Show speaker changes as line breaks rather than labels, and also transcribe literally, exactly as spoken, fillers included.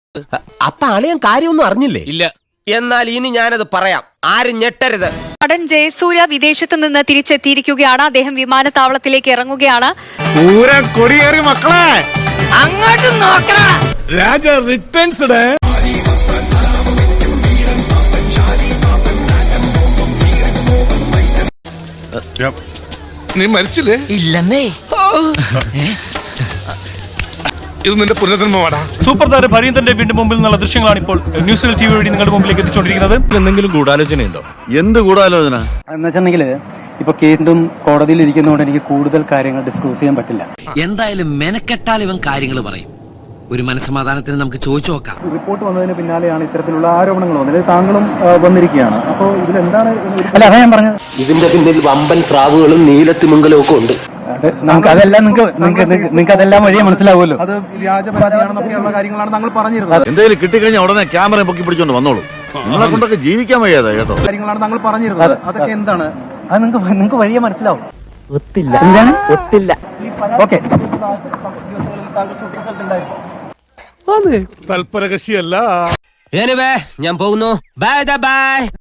അപ്പൊ അളിയൻ കാര്യമൊന്നും അറിഞ്ഞില്ലേ?
ഇല്ല.
എന്നാൽ ഇനി ഞാനത് പറയാം, ആരും ഞെട്ടരുത്.
നടൻ ജയസൂര്യ വിദേശത്ത് നിന്ന് തിരിച്ചെത്തിയിരിക്കുകയാണ്. അദ്ദേഹം വിമാനത്താവളത്തിലേക്ക് ഇറങ്ങുകയാണ്.
കൊടിയേറി മക്കളെ
അങ്ങോട്ട് നോക്കണ
രാജ റിട്ടേൺസ്. നീ മരിച്ചില്ലേ?
ഇല്ലെന്നേ.
ഇത് നിന്റെ പുനർജന്മമാടാ.
സൂപ്പർ താരം ഭരീന്ദ്രന്റെ വീണ്ടും മുമ്പിൽ നിന്നുള്ള ദൃശ്യങ്ങളാണ് ഇപ്പോൾ ന്യൂസിൽ ടി വി വഴി നിങ്ങളുടെ മുമ്പിലേക്ക് എത്തിച്ചുകൊണ്ടിരിക്കുന്നത്.
എന്തെങ്കിലും ഗൂഢാലോചനയുണ്ടോ?
എന്ത് ഗൂഢാലോചന
എന്ന് വെച്ചിട്ടുണ്ടെങ്കിൽ ഇപ്പൊ കേസും കോടതിയിൽ ഇരിക്കുന്നതുകൊണ്ട് എനിക്ക് കൂടുതൽ കാര്യങ്ങൾ ഡിസ്ക്ലോസ് ചെയ്യാൻ പറ്റില്ല.
എന്തായാലും മെനക്കെട്ടാൽ ഇവൻ കാര്യങ്ങൾ പറയും. ഒരു മനസ്സമാധാനത്തിന് നമുക്ക് ചോദിച്ചു നോക്കാം.
റിപ്പോർട്ട് വന്നതിന് പിന്നാലെയാണ് ഇത്തരത്തിലുള്ള ആരോപണങ്ങൾ വന്നത്. താങ്കളും വന്നിരിക്കുകയാണ്. അപ്പോൾ ഇതിലെന്താണ്? അല്ല, അതാ ഞാൻ പറഞ്ഞത്.
ഇതിന്റെ പിന്നിൽ വമ്പൻ സ്രാവുകളും നീലത്തിമിംഗലവും ഒക്കെ ഉണ്ട്.
നമുക്ക് അതെല്ലാം നിങ്ങൾക്ക് നിങ്ങൾക്ക് അതെല്ലാം വഴിയെ മനസ്സിലാവുമല്ലോ. അത് വ്യാജപരാതിയാണെന്നൊക്കെയുള്ള കാര്യങ്ങളാണ് താങ്കൾ പറഞ്ഞിരുന്നത്.
എന്തെങ്കിലും കിട്ടിക്കഴിഞ്ഞാൽ ഉടനെ ക്യാമറ പൊക്കി പിടിച്ചോണ്ട് വന്നോളൂ. നിങ്ങളെ കൊണ്ടൊക്കെ ജീവിക്കാൻ വയ്യാതെ കേട്ടോ.
കാര്യങ്ങളാണ് താങ്കൾ പറഞ്ഞിരുന്നത്. അതൊക്കെ എന്താണ്? അത് നിങ്ങൾക്ക് നിങ്ങൾക്ക് വഴിയെ മനസ്സിലാവും. ഒത്തില്ല. എന്താണ് ഒത്തില്ല? ഓക്കെ.
തൽപരകക്ഷിയല്ല.
ഞാൻ പോകുന്നു. Bye by.